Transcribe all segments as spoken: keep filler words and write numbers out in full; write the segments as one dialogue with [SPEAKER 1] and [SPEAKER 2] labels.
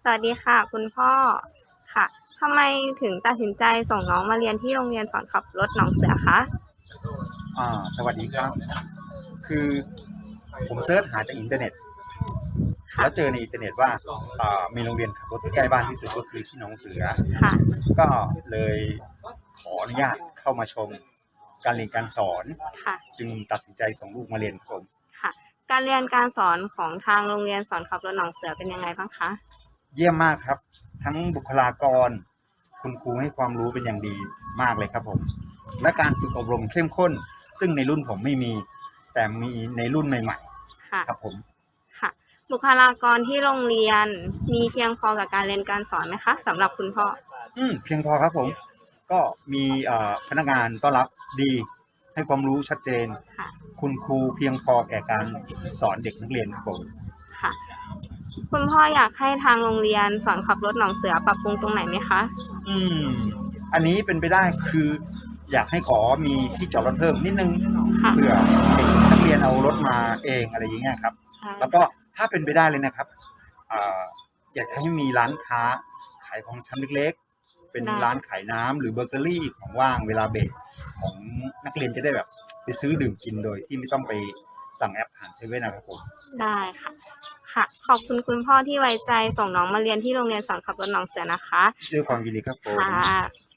[SPEAKER 1] สวัสดีค่ะคุณพ่อค่ะทำไมถึงตัดสินใจส่งน้องมาเรียนที่โรงเรียนสอนขับรถหนองเสือคะ
[SPEAKER 2] อ่าสวัสดีครับคือผมเสิร์ชหาจากอินเทอร์เน็ตแล้วเจอในอินเทอร์เน็ตว่าอ่ามีโรงเรียนขับรถที่ใกล้บ้านที่สุดก็คือที่หนองเสือ
[SPEAKER 1] ค่ะ
[SPEAKER 2] ก็เลยขออนุญาตเข้ามาชมการเรียนการสอน
[SPEAKER 1] ค่ะ
[SPEAKER 2] จึงตัดสินใจส่งลูกมาเรียนครับผม
[SPEAKER 1] ค่ะการเรียนการสอนของทางโรงเรียนสอนขับรถหนองเสือเป็นยังไงบ้างคะ
[SPEAKER 2] เยี่ยมมากครับทั้งบุคลากรคุณครูให้ความรู้เป็นอย่างดีมากเลยครับผมและการฝึกอบรมเข้มข้นซึ่งในรุ่นผมไม่มีแต่มีในรุ่นใหม่
[SPEAKER 1] ค่ะ
[SPEAKER 2] ๆครับผม
[SPEAKER 1] ค่ะบุคลากรที่โรงเรียนมีเพียงพอกับการเรียนการสอนไหมคะสำหรับคุณพ่อ
[SPEAKER 2] อืมเพียงพอครับผมก็มีเอ่อพนักงานต้อนรับดีให้ความรู้ชัดเจน
[SPEAKER 1] ค่ะ
[SPEAKER 2] คุณครูเพียงพอแก่การสอนเด็กนักเรียนครับผม
[SPEAKER 1] ค่ะคุณพ่ออยากให้ทางโรงเรียนสอนขับรถหนองเสือปรับปรุงตรงไหนไหมคะ
[SPEAKER 2] อืมอันนี้เป็นไปได้คืออยากให้ขอมีที่จอดรถเพิ่มนิดนึงเผื่อเด็กนักเรียนเอารถมาเองอะไรอย่างเงี้ยครับแล้วก็ถ้าเป็นไปได้เลยนะครับอ่าอยากให้มีร้านค้าขายของชำเล็กๆเป็นร้านขายน้ำหรือเบเกอรี่ของว่างเวลาเบรกของนักเรียนจะได้แบบไปซื้อดื่มกินโดยที่ไม่ต้องไปสั่งแอปผ่านเซเว่นนะครับผม
[SPEAKER 1] ได้ค่ะค่ะขอบคุณคุณพ่อที่ไว้ใจส่งน้องมาเรียนที่โรงเรียนสอนขับรถหนองเสือนะคะ
[SPEAKER 2] ด้วยความยินดีครับผม
[SPEAKER 1] ค่ะ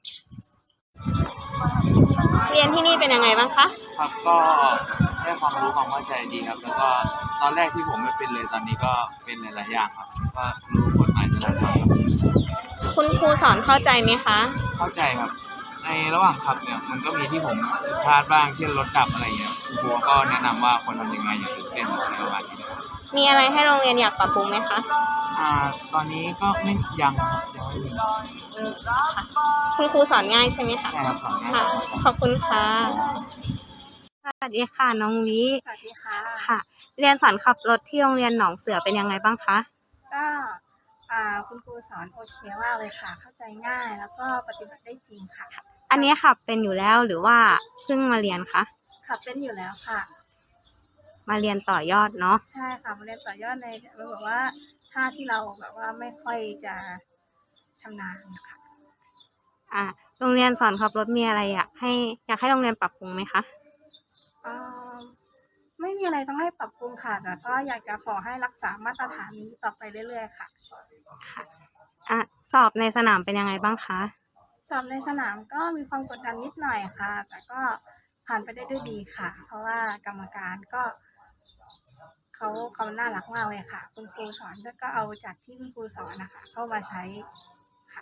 [SPEAKER 1] เรียนที่นี่เป็นยังไงบ้างคะ
[SPEAKER 3] ครับก็ได้ความรู้ความเข้าใจดีครับแล้วก็ตอนแรกที่ผมไม่เป็นเลยตอนนี้ก็เป็นหลายๆอย่างครับก็รู้กฎหมายจราจร
[SPEAKER 1] คุณครูสอนเข้าใจไหมคะ
[SPEAKER 3] เข้าใจครับในระหว่างขับเนี่ยมันก็มีที่ผมพลาดบ้างเช่นรถดับอะไรเงี้ยคุณครูก็แนะนำว่าควรทำยังไงอย่าตื่นเต้นอะไรประมาณนี้
[SPEAKER 1] มีอะไรให้โรงเรียนอยากปรับปรุงไหมคะ
[SPEAKER 3] อ่าตอนนี้ก็ไม่ยังครับยังไม่มี
[SPEAKER 1] คุณครูสอนง่ายใช่ไหมคะ
[SPEAKER 3] ใช่ครับสอนง่าย
[SPEAKER 1] ค่ะขอบคุณค่ะสวัสดีค่ะน้องวิ
[SPEAKER 4] สวัสดีค่ะ
[SPEAKER 1] ค่ะเรียนสอนขับรถที่โรงเรียนหนองเสือเป็นยังไงบ้างคะ
[SPEAKER 4] ก็อ่าคุณครูสอนโอเคมากเลยค่ะเข้าใจง่ายแล้วก็ปฏิบัติได้จริงค่ะ
[SPEAKER 1] อันนี้ขับเป็นอยู่แล้วหรือว่าเพิ่งมาเรียนคะ
[SPEAKER 4] ขับเป็นอยู่แล้วค่ะ
[SPEAKER 1] มาเรียนต่อยอดเนาะ
[SPEAKER 4] ใช่ค่ะมาเรียนต่อยอดในแบบว่าท่าที่เราแบบว่าไม่ค่อยจะชำนาญค่ะ
[SPEAKER 1] อ่าโรงเรียนสอนขับรถมีอะไรอยากให้อยากให้โรงเรียนปรับปรุงไหมคะ
[SPEAKER 4] อ่าไม่มีอะไรต้องให้ปรับปรุงค่ะแต่ก็อยากจะขอให้รักษามาตรฐานนี้ต่อไปเรื่อยๆค่ะ
[SPEAKER 1] ค่ะอ่ะสอบในสนามเป็นยังไงบ้างคะ
[SPEAKER 4] สอบในสนามก็มีความกดดันนิดหน่อยค่ะแต่ก็ผ่านไปได้ด้วยดีค่ะเพราะว่ากรรมการก็เขาเขาน่ารักมากเลยค่ะคุณครูสอนก็เอาจากที่คุณครูสอนนะคะเข้ามาใช้ค่ะ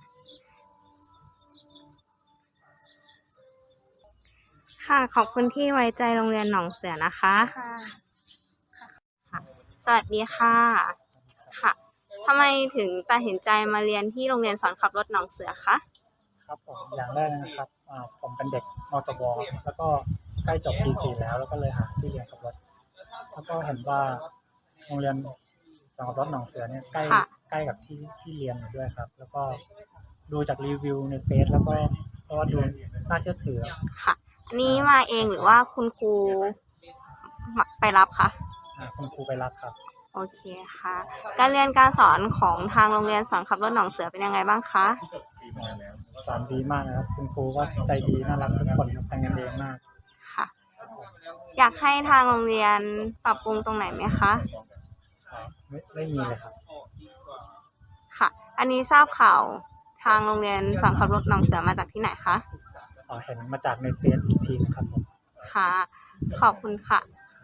[SPEAKER 1] ค่ะขอบคุณที่ไว้ใจโรงเรียนหนองเสือนะคะ
[SPEAKER 4] ค่ะ
[SPEAKER 1] ค่ะสวัสดีค่ะค่ะทำไมถึงตัดสินใจมาเรียนที่โรงเรียนสอนขับรถหนองเสือคะ
[SPEAKER 5] ครับผมอย่างแรกนะครับผมเป็นเด็กมสวแล้วก็ใกล้จบปีสี่แล้วแล้วก็เลยหาที่เรียนขับรถแล้วก็เห็นว่าโรงเรียนสอนขับรถหนองเสือเนี่ยใกล้ใกล้กับที่ที่เรียนอยู่ด้วยครับแล้วก็ดูจากรีวิวในเฟซแล้วก็ก็ดูน่าเชื่อถือ
[SPEAKER 1] ค่ะอันนี้มาเองหรือว่าคุณครูไปรับคะ
[SPEAKER 5] คุณครูไปรับครับ
[SPEAKER 1] โอเคค่ะการเรียนการสอนของทางโรงเรียนสอนขับรถหนองเสือเป็นยังไงบ้างคะ
[SPEAKER 5] สอนดีมากนะครับคุณครูก็ใจดีน่ารักทุกคนทำงานเองมาก
[SPEAKER 1] ค่ะอยากให้ทางโรงเรียนปรับปรุงตรงไหนไหมคะ
[SPEAKER 5] ไม่ไม่มีเลยครับ
[SPEAKER 1] ค่ะอันนี้ทราบข่าวทางโรงเรียนสอนขับรถหนองเสือมาจากที่ไหนคะ
[SPEAKER 5] อ๋อเห็นมาจากในเฟซอีกทีนะครับผม
[SPEAKER 1] ค่ะขอบคุณค่ะ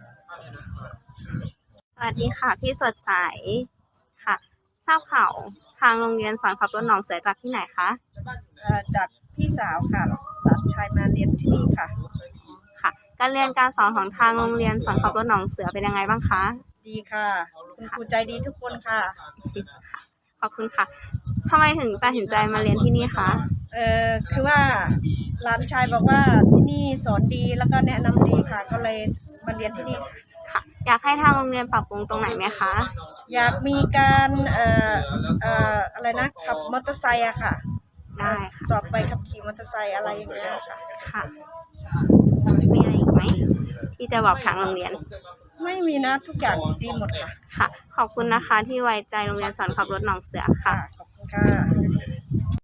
[SPEAKER 1] สวัสดีค่ะพี่สดใสค่ะทราบข่าวทางโรงเรียนสอนขับรถหนองเสือจากที่ไหนคะ
[SPEAKER 6] จากพี่สาวค่ะหลานชายมาเรียนที่นี่ค่ะ
[SPEAKER 1] ค่ะการเรียนการสอนของทางโรงเรียนสอนขับรถหนองเสือเป็นยังไงบ้างคะ
[SPEAKER 6] ดีค่ะคุณครูใจดีทุกคนค่ะ
[SPEAKER 1] ค่ะขอบคุณค่ะทำไมถึงตัดสินใจมาเรียนที่นี่คะ
[SPEAKER 6] เออคือว่าหลานชายบอกว่าที่นี่สอนดีแล้วก็แนะนำดีค่ะก็เลยมาเรียนที่นี่
[SPEAKER 1] ค่ะอยากให้ทางโรงเรียนปรับปรุงตรงไหนไหมคะ
[SPEAKER 6] อยากมีการเอ่อเอ่ออะไรนะขับมอเตอร์ไซค์อะค่ะ
[SPEAKER 1] ได้
[SPEAKER 6] สอบไปขับขี่มอเตอร์ไซค์อะไรอย่างเงี้ยค่ะ
[SPEAKER 1] ค่ะมีอะไรอีกไหมที่จะบอกทางโรงเรียน
[SPEAKER 6] ไไม่มีนะทุกอย่างดีหมดค่ะ
[SPEAKER 1] ค่ะ ขอบคุณนะคะที่ไว้ใจโรงเรียนสอนขับรถหนองเสือค่ะ
[SPEAKER 6] ขอบคุณค่ะ